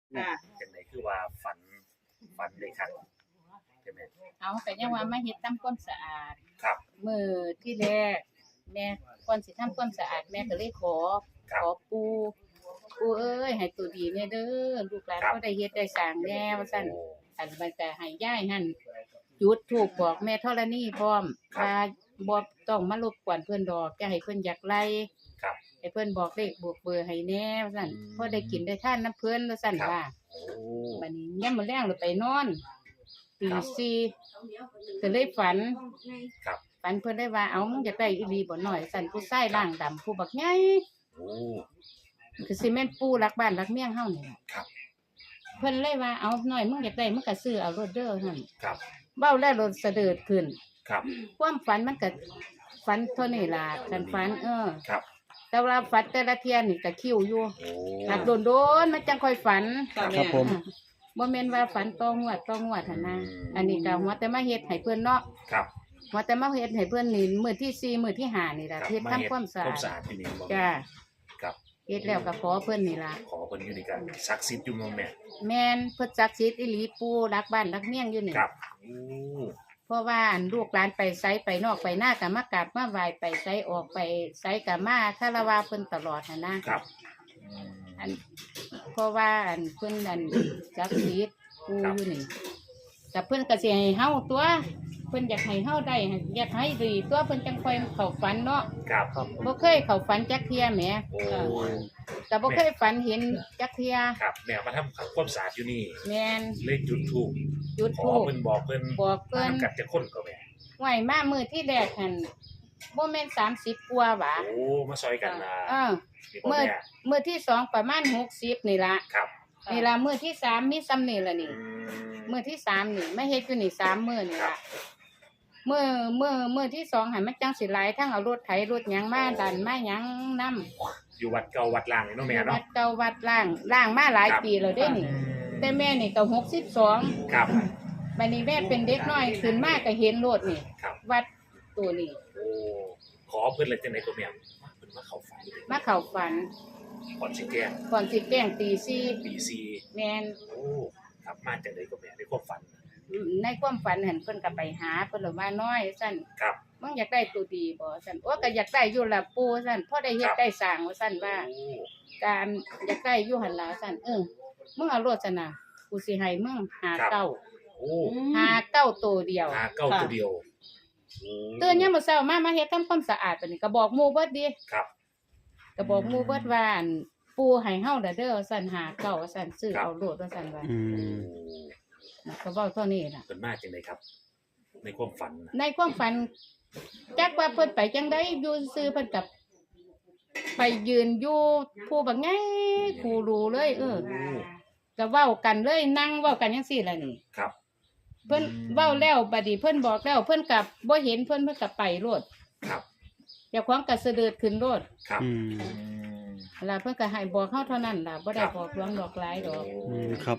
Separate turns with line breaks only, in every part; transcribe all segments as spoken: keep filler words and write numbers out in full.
จังไดคือว่าฝันฝันเลยครับใช่ไหม
เอาแต่ยังว่ามาเฮ็ดทำความสะอาด
ครับ
มื้อที่แรกแม่ก่อนสิทำความสะอาดแม่ก็เลยขอขอปู่ปู่เอ้ยให้ตัวดีแน่เด้อลูกหลานบ่ได้เฮ็ดได้สร้างแน่ว่าซั่นอันมันก็ให้ยายหั่นจุดธูปบอกแม่ธรณีพร้อมว่าบ่ต้องมารบกวนเพิ่นดอกจะให้เพิ่นอยากไล่
ครับ
ให้เพิ่นบอกเลขบวกเบอร์ให้แน่ว่าซั่นพอได้กินได้ทานน้ำเพิ่นว่าซั่นว่า
โอ้
บัดนี้ยามมื้อแลงเราไปนอนตีสี่ก็เลยฝัน
ครับ
ฝันเพิ่นได้ว่าเอ้ามึงอยากได้อีหลีบ่น้อยสั่นผู้ชายร่างดำผู้บักใหญ่
โอ้
คือสิแม่นปู่รักบ้านรักเมียงเฮานี่ล่ะ
ครับ
เพิ่นเลยว่าเอ้าน้อยมึงอยากได้มึงก็ซื้อเอาโลดเด้อหั่น
ครับ
เว้าแล้วรถเสดิร์ดขึ้น
ครับ
ความฝันมันก็ฝันเท่านี้ล่ะคันฝันเออ
ครับ
แต่ว่าฝันแต่ละเที่ยนี่ก็คิวอยู่
โอ้
ถ้าโดนๆมันจังค่อยฝัน
ครับผม
บ่แม่นว่าฝันต่องวดต่องวดหั่นนะอันนี้ก็หัวแต่มาเฮ็ดให้เพิ่นเนาะ
ครับ
หัวแต่มาเฮ็ดให้เพิ่นนี่มื้อที่สี่มื้อที่ห้านี่ล่ะเฮ็ดทำความสะอาด
ความสะอาดที่นี่บ่
จ้า
ครับ
เฮ็ดแล้วก็ขอเพิ่นนี่ล่ะ
ขอเพิ่นอยู่นี่กันศักดิ์สิทธิ์อยู่เนาะแม่
แม่นเพิ่นศักดิ์สิทธิ์อีหลีปู่รักบ้านรักเมียงอยู่นี่
ครับโอ้
เพราะว่าอันลูกหลานไปไสไปนอกไปหน้าก็มากราบมาไหว้ไปไสออกไปไสก็มาคารวะเพิ่นตลอดหั่นนะครับอันเพราะว่าอันเพิ่นอันศักดิ์สิทธิ์ปู่อยู่นี่แต่เพิ่นก็สิให้เฮาตัวเพิ่นอยากให้เฮาได้อยากให้ดีตัวเพิ่นจังค่อยเข้าฝันเนาะ
ครับ
บ่เคยเข้าฝันจักเที่ยแหม
โอ้
แต่บ่เคยฝันเห็นจักเที่ย
ครับแม่มาทำความสะอาดอยู่นี่
แม่น
เลยจุดธูป
จุดธูป
ขอเพิ่นบอกเพิ่น
บอกเพิ่น
กับจะคนก็แม่
ไหวมามื้อที่แรกหั่นบ่แม่นสามสิบกว่าหวา
โอ้มาซอยกันล่ะ
เออมื้อมื้อที่สองประมาณหกสิบนี่ล่ะ
ครับ
นี่ล่ะมื้อที่สามมีซ้ำนี่ล่ะนี่มื้อที่สามนี่มาเฮ็ดอยู่นี่สามมื้อนี่ล่ะมื้อมื้อมื้อที่สองให้มันจังสิหลายทั้งเอารถไถรถหยังมาดันมาหยังนำ
อยู่วัดเก่าวัดล่างนี่เนาะแม่เนาะ
วัดเก่าวัดล่างล่างมาหลายปีแล้วเด้นี่แต่แม่นี่ก็หกสิบสอง
ครับ
บัดนี้แม่เป็นเด็กน้อยขึ้นมาก็เห็นรถนี่วัดตัวนี้
โอ้ขอเพิ่นเลยจังได๋ตัวแม่เพิ่นมาเข้าฝัน
มาเข้าฝัน
ก่อนสิแจ้ง
ก่อนสิแจ้งตีสี่
ตีสี่
แม่น
โอ้ครับมาจังได๋ตัวแม่ในความฝัน
ในความฝันเห็นเพิ่นก็ไปหาเพิ่นว่าน้อยซั่น
ครับ
มึงอยากได้ตัวดีบ่ซั่นโอ้ก็อยากได้อยู่ล่ะปู่ซั่นพอได้เฮ็ดได้สร้างว่าซั่นว่าการอยากได้อยู่หั่นล่ะซั่นเออมึงเอารถซั่นน่ะกูสิให้มึงหาเก้า
โอ้
หาเก้าตัวเดียว
หาเก้าตัวเดียว
ตื่นยามมื้อเช้ามามาเฮ็ดทำความสะอาดบัดนี้ก็บอกหมู่เบิดดิ
ครับ
ก็บอกหมู่เบิดว่าอั่นปู่ให้เฮาเด้อเด้อซั่นหาเก้าว่าซั่นซื้อเอาโลดว่าซั่นว่า
อืม
ก็เว้าเท่านี้ล่ะ
เพิ่นมาจังได๋ครับในความฝัน
ในความฝันจักว่าเพิ่นไปจังได๋อยู่ซื่อเพิ่นก็ไปยืนอยู่ผู้บักไงผู้รู้เลยเออก็เว้ากันเลยนั่งเว้ากันจังซี่ล่ะนี่
ครับ
เพิ่นเว้าแล้วบัดนี้เพิ่นบอกแล้วเพิ่นก็บ่เห็นเพิ่นเพิ่นก็ไปโลด
ครับ
เจ้าของก็เสด็จขึ้นโลด
ครับ
อืม
ล่ะเพิ่นก็ให้บอกเฮาเท่านั้นล่ะบ่ได้บอกลวงดอกหลายดอก
อืมครับ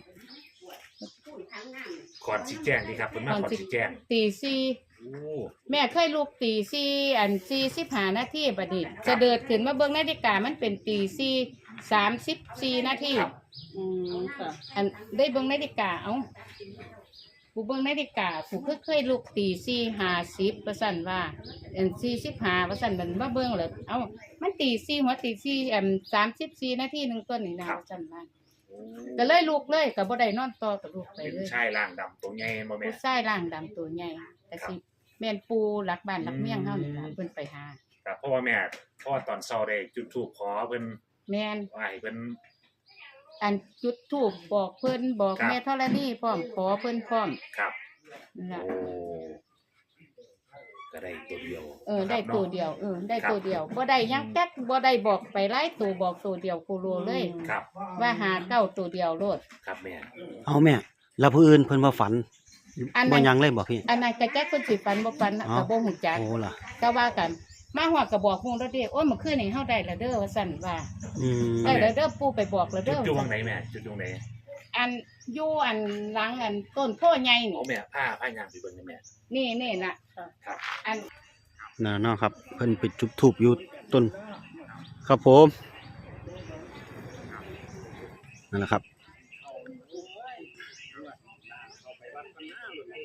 ก่อนสิแจ้งดีครับเพิ่นมาก่อนสิแจ้ง
ตีสี่
โอ้
แม่เคยลุกตีสี่อันสี่สิบห้านาทีบัดนี้เสด็จขึ้นมาเบิ่งนาฬิกามันเป็นตีสี่สามสิบสี่นาทีอืมค่ะอันได้เบิ่งนาฬิกาเอ้ากูเบิ่งนาฬิกากูเคยเคยลุกตีสี่ห้าสิบว่าซั่นว่าอันสี่สิบห้าว่าซั่นมันมาเบิ่งแล้วเอ้ามันตีสี่หัวตีสี่อันสามสิบสี่นาทีนึงต้นนี่นะว่าซั่นว่าก็เลยลุกเลยก็บ่ได้นอนต่อก็ลุกไปเลย
เป็นชายร่างดำตัวใหญ่บ่แม่
ผู้ชายร่างดำตัวใหญ่แต่สิแม่นปู่รักบ้านรักเมียงเฮานี่ล่ะเพิ่นไปหา
ครับเพราะว่าแม่เพราะว่าตอนเช้าได้จุดธูปขอเพิ่น
แม่น
ว่าให้เพิ่น
อันจุดธูปบอกเพิ่นบอกแม่ธรณีพร้อมขอเพิ่นพร้อม
ครับ
นั่นล่ะ
โอ้ก็ได้ตัวเดียว
เออได้ตัวเดียวเออได้ตัวเดียวบ่ได้ยังจักบ่ได้บอกไปหลายตัวบอกตัวเดียวโคโลเลย
ครับ
ว่าหาเก้าตัวเดียวโลด
ครับแม่
เอาแม่แล้วผู้อื่นเพิ่นว่าฝันบ่ยังเลยบ่พี่
อันนั้นก็จักเพิ่นสิฝันบ่ฝันก็บ่ฮู้จัก
โอ้ล่ะ
ก็ว่ากันมาฮอดก็บอกหมู่แล้วเด้โอ้ยเมื่อคืนนี้เฮาได้แล้วเด้อว่าซั่นว่า
อืม
ได้แล้วเด้อปู่ไปบอกแล้วเด้อ
จุดตรงไหนแม่จุดตรงไหน
อันอยู่อันหลังอันต้นโพใหญ่นี่
โอ้แม่ผ้าผ้ายางไปเบิ่งแม่
นี่นี่น่ะ
ครับ
อัน
น่ะเนาะครับเพิ่นไปจุดธูปอยู่ต้นครับผมนั่นแหละครับ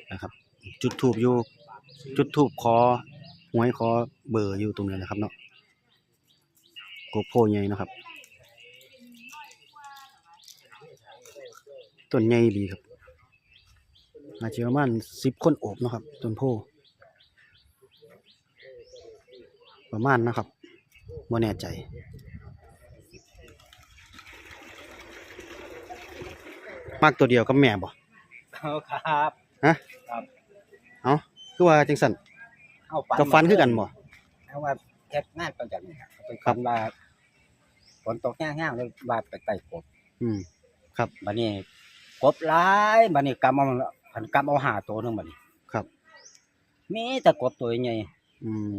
นะครับ จุดทูบอยู่จุดทูบขอหวยขอเบอร์อยู่ตรงนี้นะครับเนาะโกโพใหญ่นะครับต้นใหญ่ดีครับอาจจะประมาณสิบคนโอบเนาะครับต้นโพประมาณนะครับบ่แน่ใจมากตัวเดียวกับแม่บ่
ครับ
ฮะ
ครับ
เอาคือว่าจังสัน
เอาฝัน
กับฟันคือกันบ่
เอาว่าเฮ็ดงานประจำนี่ครับไป
ครับ
ฝันว่าฝนตกแห้งๆเลยว่าไปไต่กบ
อืมครับ
บัดนี้กบหลายบัดนี้กำเอาผันกำเอาห้าตัวหนึงบัดนี้
ครับ
มีแต่กบตัวใหญ่
อืม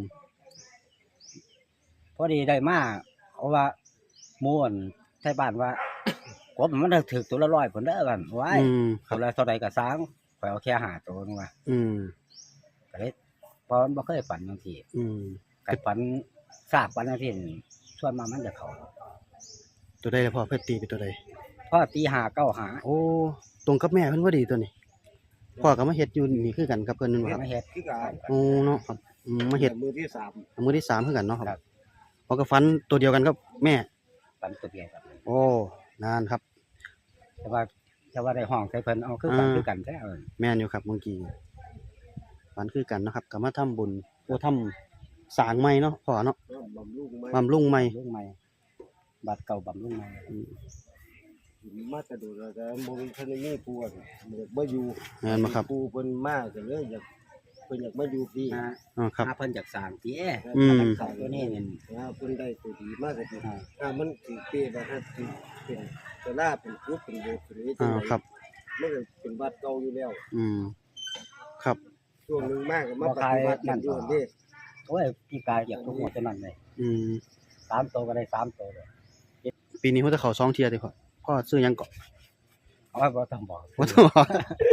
พอดีได้มาเอาว่าหมู่อั่นไทบ้านว่า กบมันถึกตัวละร้อยพุ่นเด้อกันไว้
อืมค
ตั
รับ
วละเท่าใดก็สร้างไปเอาแค่ห้าตัวนึงว่า
อืม
ก็เลยเพราะมันบ่เคยฝันจังซี่
อืม
ก็ฝันทราบฝันจังซี่ส่วนมากมันจะเข้า
ตัวใดล่ะพ่อเพิ่นตีเป็นตัวใด
พอตีห้าเก้าหา
โอ้ตรงกับแม่เพิ่นพอดีตัวนี้พ่อก็มาเฮ็ดอยู่นี่คือกันกับเพิ่นนั่นบ่ครับ
มาเฮ็ด
คือการ
โอ้เนาะครับอืมมาเฮ็ด
มือที่สาม
มือที่สามคือกันเนาะค
ครั
รับบ พอก็ฟันตัวเดียวกันกับแม่
ฝันตัวเดียวกัน
โอ้นานครับ
แต่ว่าแต่ว่าได้ห้องใส่เพิ่นเอาคือกัน
อ่า
คือกันแท้เอิ้น
แม่นอยู่ครับเมื่อกี้ฟันคือกันเนาะครับก็มาทำบุญโอ้ทำสร้างใหม่เนาะพ่อเนาะ
บำรุงไม้
บำรุงใหม่
ลุงใหม่บัตรเก่าบำรุงใหม่
อืม
มาแต่ดูแล้วแต่บ่มีทันได้มีปูอ่ะมันอยากมาอยู่
แม่นบ่ครับ
ปูเพิ่นมาก็เลยอยากเพิ่นอยากมาอยู่พี่
นะ
อ๋อครับ
หาเพิ่นจากสร้างติเอ้
อืม
สร้างตัวนี้นี่
นะเพิ่นได้ตัวดีมากก็ดี
อ่า
ถ้ามันสิเปรีว่าถ้าสิเป็นตะลาเป็นคุบเป็นโบสถ์เป็นนี้จั
อ่าง
ได๋
ครับ
มันก็เป็นวัดเก่าอยู่แล้ว
อืมครับ
ช่วงหนึงมากก็มาปฏิบัติกันอยู่เด้
โอ้ยพี่กายอยากทุกหมดเท่านั้นเลย
อืม
สามตัวก็ได้สามตัวเลย
ปีนี้เขาจะเข้าสองเที่ยติพ่อพ่อซื้อหยังเกาะ
เอาไว้บ่ต้องบอก
บ่ต้องบอก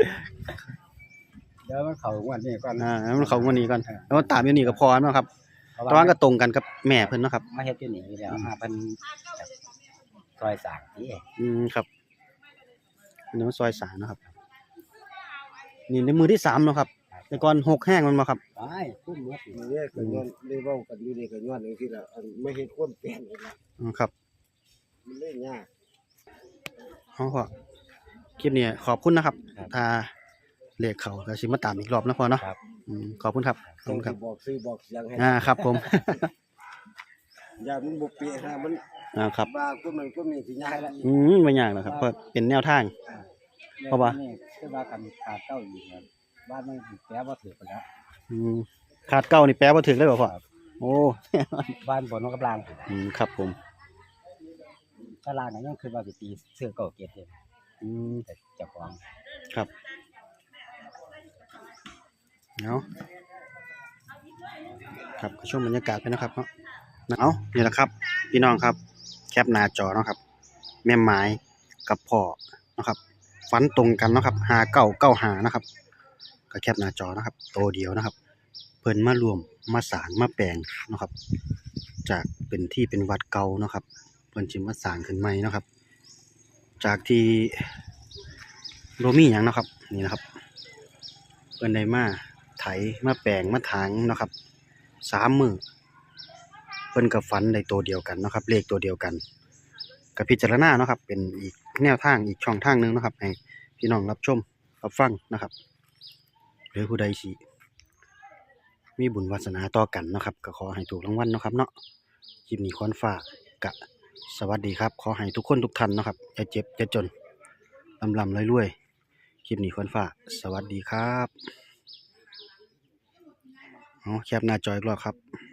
เดี๋ยวมันเข้างวดนี้ก่อน
อ่าให้มันเข้างวดนี้ก่อนแล้วมันตามอยู่นี่ก็พอเนาะครับ
เพราะ
แต่ว่าก็ตรงกันกับแม่เพิ่นเนาะครับ
มาเฮ็ดอยู่นี่อยู่แล้วหาเพิ่นจากซอยสร้างติเอ้
อืมครับอันนี้มันซอยสามเนาะครับ นี่ในมือที่สามเนาะครับ แต่ก่อนหกแห้งมันมาครับ
ไปคุ้มหมด
มื้อนี้ก็ย้อนได้เว้ากันอยู่นี่ก็ย้อนจังซี่ล่ะอันไม่เฮ็ดความแปลนเลยนะ
อืมครับ
มันเลยยาก
เอาพ่อคลิปนี้ขอบคุณนะครับ ถ้าเลขเขาก็สิมาตามอีกรอบนะพ่อเนาะ
ครับ
อืมขอบคุณครับขอบ
ต้อง
คุณค
สิ
รับ
บอกซื้อบอกเสียงให้
อ่าครับผม
อย่ามันบ่เป๊ะฮะมัน
อ่าครับ
ว่าก็มันก็มีสิยากแล้ว
อืมไม่ยากหรอกครับเพราะเป็นแนวทาง เพราะว่า
นี่คือว่ากันขาดเก้าอีกครับบ้านมันสิแปลบ่ถูกไปแล้ว
อืมขาดเก้านี่แปลว่าถึงเลยบ่พ่อโอ้
บ้านบนนกกำลัง
อืมครับผม
ตารางนั้นยังคือว่าสิตีเสื้อเก่าเก็บเอง
อืม
แต่เจ้าของ
ครับเนาะครับก็ช่วงบรรยากาศไปนะครับเนาะเอานี่แหละครับ พี่น้องครับ แคปหน้าจอเนาะครับ แม่ไม้กับพ่อเนาะครับฟันตรงกันเนาะครับหาเก้าเก้าหานะครับก็แคปหน้าจอนะครับโตวเดียวนะครับ เพิ่นมารวมมาสร้างมาแปลงเนาะครับ จากเป็นที่เป็นวัดเก่าเนาะครับเพิ่นสิมาสร้างขึ้นใหม่เนาะครับ จากที่บ่มีหยังเนาะครับนี่นะครับเพิ่นได้มาไถมาแปลงมาถางเนาะครับสามมื้อเพิ่นก็ฝันได้ตัวเดียวกันเนาะครับเลขตัวเดียวกันก็พิจารณาเนาะครับเป็นอีกแนวทางอีกช่องทางหนึงเนาะครับให้พี่น้องรับชมรับฟังนะครับหรือผู้ใดสิมีบุญวาสนาต่อกันเนาะครับก็ขอให้ถูกรางวัลเนาะครับเนาะคลิปนี้ควรฝากกะสวัสดีครับขอให้ทุกคนทุกท่านเนาะครับอย่าเจ็บอย่าจนลำลำรวยๆคลิปนี้ควรฝากสวัสดีครับเอาแคปหน้าจออีกรอบครับ